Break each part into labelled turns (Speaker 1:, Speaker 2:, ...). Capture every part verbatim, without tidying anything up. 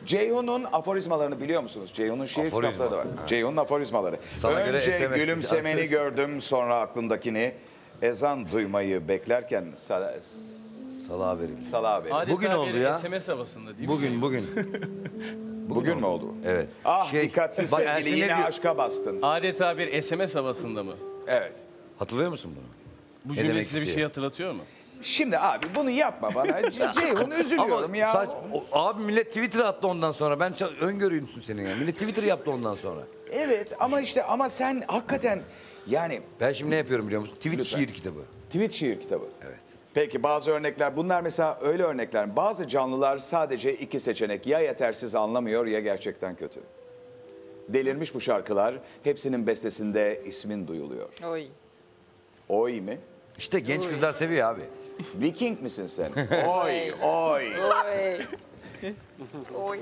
Speaker 1: Ceyhun'un aforizmalarını biliyor musunuz? Ceyhun'un şiir
Speaker 2: Aforizma.
Speaker 1: kitapları da var. Ceyhun'un aforizmaları.
Speaker 2: Sana göre
Speaker 1: Önce
Speaker 2: S M S
Speaker 1: gülümsemeni
Speaker 2: adres-
Speaker 1: gördüm, sonra aklındakini. Ezan duymayı beklerken sala,
Speaker 2: Salaha verildi.
Speaker 1: salağa verin.
Speaker 2: Bugün
Speaker 3: Adeta
Speaker 2: oldu
Speaker 3: bir
Speaker 2: ya.
Speaker 3: S M S havasında değil mi?
Speaker 2: Bugün, bugün.
Speaker 1: Bugün mü oldu?
Speaker 2: Evet.
Speaker 1: Ah
Speaker 2: Şey,
Speaker 1: dikkatsiz
Speaker 2: bak
Speaker 1: sevgili,
Speaker 2: Ersin ne
Speaker 1: yine
Speaker 2: diyor?
Speaker 1: aşka bastın.
Speaker 3: Adeta bir S M S havasında mı?
Speaker 1: Evet.
Speaker 2: Hatırlıyor musun bunu?
Speaker 3: Bu
Speaker 2: Ne
Speaker 3: cümle
Speaker 2: demek
Speaker 3: size bir
Speaker 2: istiyor?
Speaker 3: şey hatırlatıyor mu?
Speaker 1: Şimdi abi bunu yapma bana. C- Ceyhun üzülüyorum
Speaker 2: Ama
Speaker 1: ya.
Speaker 2: saç- o- abi millet Twitter attı ondan sonra. Ben ça- öngörüymüşsün senin ya. Millet Twitter yaptı ondan sonra.
Speaker 1: Evet ama işte ama sen hakikaten yani
Speaker 2: Ben şimdi ne yapıyorum biliyor musun? Tweet
Speaker 1: Lütfen.
Speaker 2: şiir kitabı.
Speaker 1: tweet şiir kitabı.
Speaker 2: Evet.
Speaker 1: Peki bazı örnekler bunlar mesela öyle örnekler. Bazı canlılar sadece iki seçenek ya yetersiz anlamıyor ya gerçekten kötü. Delirmiş bu şarkılar hepsinin bestesinde ismin duyuluyor.
Speaker 4: Oy.
Speaker 1: Oy mi?
Speaker 2: İşte genç kızlar seviyor abi.
Speaker 1: Viking misin sen? Oy oy
Speaker 4: Oy. Oy.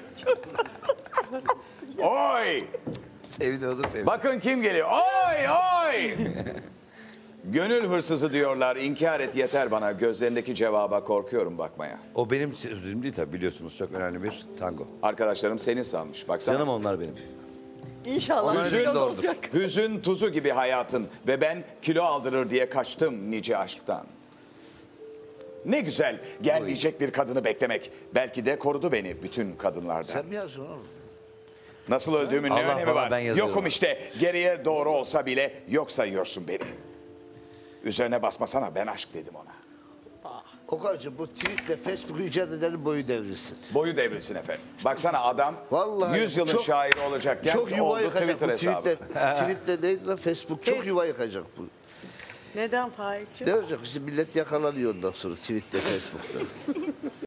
Speaker 1: oy.
Speaker 2: Evde o da seviyor.
Speaker 1: Bakın kim geliyor. Oy oy. Gönül hırsızı diyorlar. İnkar et yeter bana. Gözlerindeki cevaba korkuyorum bakmaya.
Speaker 2: O benim sözüm değil tabii biliyorsunuz. Çok önemli bir tango.
Speaker 1: Arkadaşlarım seni sanmış. Baksana.
Speaker 2: Canım onlar benim.
Speaker 4: İnşallah
Speaker 2: Onlar
Speaker 4: güzel
Speaker 2: hepsi doğrudur.
Speaker 4: olacak.
Speaker 1: Hüzün tuzu gibi hayatın ve ben kilo aldırır diye kaçtım nice aşktan. Ne güzel gelmeyecek bir kadını beklemek. Belki de korudu beni bütün kadınlardan.
Speaker 5: Sen mi yazdın oğlum?
Speaker 1: Nasıl öldüğümün ne
Speaker 2: Allah
Speaker 1: önemi
Speaker 2: bana,
Speaker 1: var?
Speaker 2: ben yazıyorum.
Speaker 1: Yokum işte. Geriye doğru olsa bile yok sayıyorsun beni. Üzerine basmasana ben aşk dedim ona.
Speaker 5: Okan'cığım bu tweetle Facebook'u icat edenin boyu devrilsin.
Speaker 1: Boyu devrilsin efendim. Baksana adam
Speaker 5: Vallahi
Speaker 1: yüz yılın
Speaker 5: çok-
Speaker 1: şairi olacakken
Speaker 5: Çok yuva
Speaker 1: oldu
Speaker 5: yıkacak
Speaker 1: Twitter
Speaker 5: bu
Speaker 1: hesabı.
Speaker 5: tweetle. Tweetle değil lan Facebook çok yuva yıkacak bu.
Speaker 4: Neden Faik'ciğim?
Speaker 5: Ne olacak işte millet yakalanıyor ondan sonra tweetle Facebook'ta.